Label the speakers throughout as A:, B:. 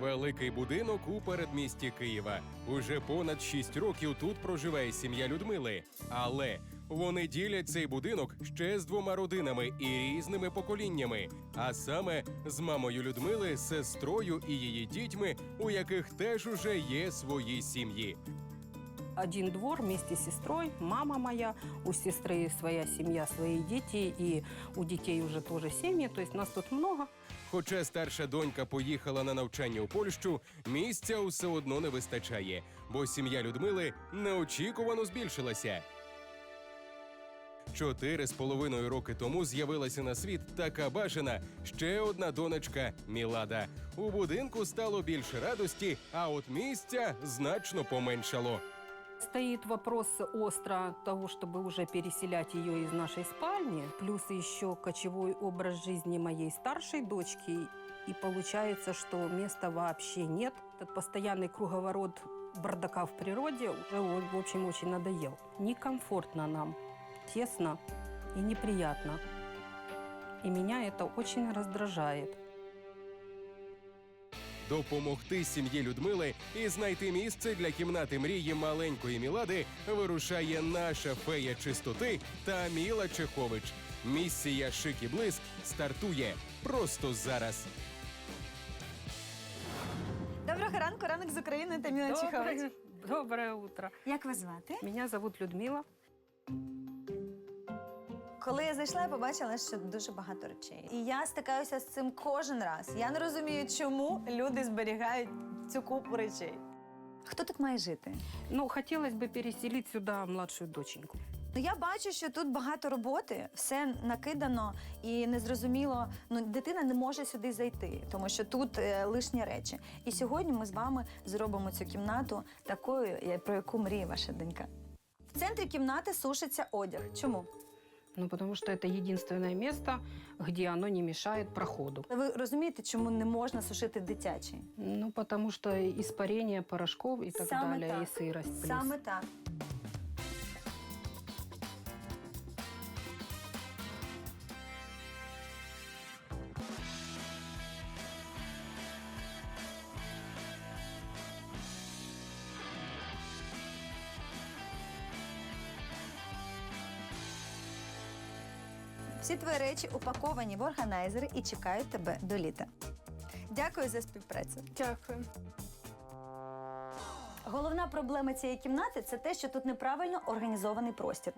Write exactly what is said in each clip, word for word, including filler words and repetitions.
A: Великий будинок у передмісті Києва. Уже понад шість років тут проживає сім'я Людмили. Але вони ділять цей будинок ще з двома родинами і різними поколіннями. А саме з мамою Людмили, сестрою і її дітьми, у яких теж уже є свої сім'ї.
B: Один двор вместе с сестрой, мама моя, у сестры своя семья, свои дети, и у детей уже тоже семьи, то есть нас тут много.
A: Хоча старша донька поїхала на навчання у Польщу, місця усе одно не вистачає, бо сім'я Людмили неочікувано збільшилася. Чотири з половиною роки тому з'явилася на світ така бажана ще одна донечка Мілада. У будинку стало більше радості, а от місця значно поменшало.
B: Стоит вопрос остро того, чтобы уже переселять ее из нашей спальни, плюс еще кочевой образ жизни моей старшей дочки, и получается, что места вообще нет. Этот постоянный круговорот бардака в природе уже, в общем, очень надоел. Некомфортно нам, тесно и неприятно. И меня это очень раздражает.
A: Допомогти сім'ї Людмили і знайти місце для кімнати мрії маленької Мілади вирушає наша фея чистоти Таміла Чехович. Місія «Шик і блиск» стартує просто зараз.
C: Доброго ранку, ранок з України, Таміла Чехович.
B: Доброе, доброе утро.
C: Як вас звати?
B: Меня зовут Людмила.
C: Коли я зайшла, я побачила, що дуже багато речей. І я стикаюся з цим кожен раз. Я не розумію, чому люди зберігають цю купу речей. Хто тут має жити?
B: Ну, хотелось бы переселить сюда младшую доченьку.
C: Ну, я бачу, що тут багато роботи, все накидано і незрозуміло. Ну, дитина не може сюди зайти, тому що тут е, лишні речі. І сьогодні ми з вами зробимо цю кімнату такою, я- про яку мріє ваша донька. В центрі кімнати сушиться одяг. Чому?
B: Ну, потому что это единственное место, где оно не мешает проходу.
C: Ви розумієте, чому не можна сушити дитячий?
B: Ну, потому что испарение порошков и так
C: Саме
B: далее,
C: так.
B: и сырость плюс.
C: Саме так. Всі твої речі упаковані в органайзери і чекають тебе до літа. Дякую за співпрацю.
B: Дякую.
C: Головна проблема цієї кімнати – це те, що тут неправильно організований простір.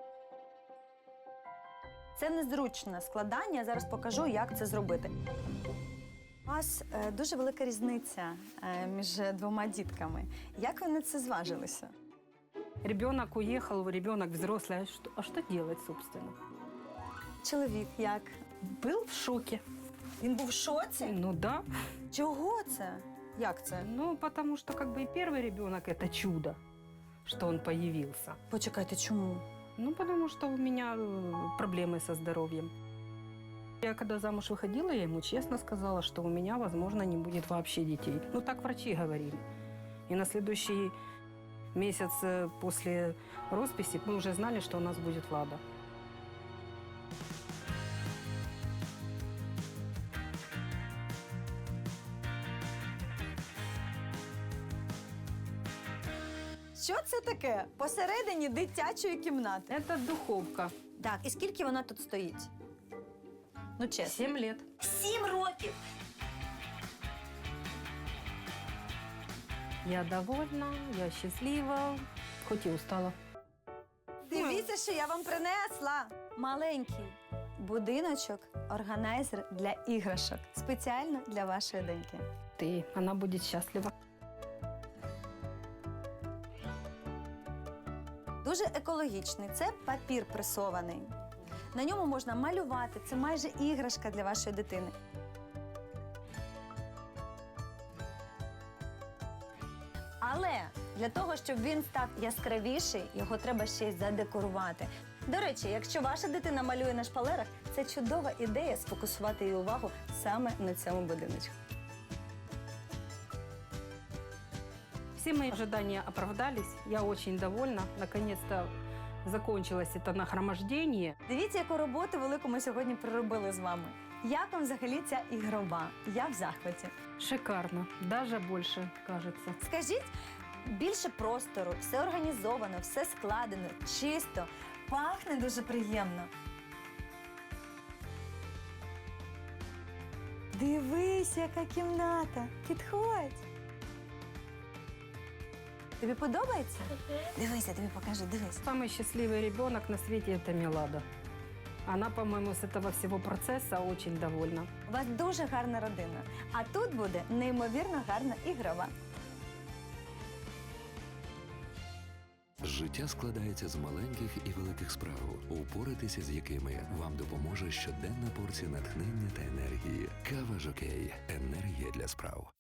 C: Це незручне складання, я зараз покажу, як це зробити. У вас е, дуже велика різниця е, між двома дітками. Як ви на це зважилися?
B: Ребенок уехал, ребенок взрослый. А что, а что делать, собственно?
C: Чоловік як?
B: Был в шоке.
C: Він був в шоці?
B: Ну да.
C: Чого це? Як це?
B: Ну, потому что как бы и первый ребенок – это чудо, что он появился.
C: Почекайте, чому?
B: Ну, потому что у меня э, проблемы со здоровьем. Я когда замуж выходила, я ему честно сказала, что у меня, возможно, не будет вообще детей. Ну, так врачи говорили. И на следующий месяц э, после росписи мы уже знали, что у нас будет Влада.
C: Що це таке? Посередині дитячої кімнати.
B: Это духовка.
C: Так, і скільки вона тут стоїть? Ну, чесно.
B: Семь лет.
C: Сім років!
B: Я довольна, я счастлива, хоть и устала.
C: Дивіться, що я вам принесла. Маленький будиночок, органайзер для іграшок. Спеціально для вашої доньки.
B: Ты, она будет счастлива.
C: Дуже екологічний. Це папір пресований. На ньому можна малювати. Це майже іграшка для вашої дитини. Але для того, щоб він став яскравіший, його треба ще й задекорувати. До речі, якщо ваша дитина малює на шпалерах, це чудова ідея сфокусувати її увагу саме на цьому будиночку.
B: Все мои ожидания оправдались. Я очень довольна. Наконец-то закончилось это нагромождение.
C: Дивіться, яку роботу велику ми сьогодні проробили з вами. Як вам взагалі ця ігрова? Я в захваті.
B: Шикарно, даже больше, кажется.
C: Скажіть, більше простору, все організовано, все складено, чисто, пахне дуже приємно. Дивись, яка кімната. Підходь. Тобі подобається? Дивися, тобі покажу, дивись.
B: Самый счастливый ребенок на свете – это Милада. Она, по-моему, с этого всего процесса очень довольна.
C: У вас дуже гарна родина, а тут буде неймовірно гарна ігрова.
D: Життя складається з маленьких і великих справ, упоратися з якими вам допоможе щоденна порція натхнення та енергії. Кава Жокей. Енергія для справ.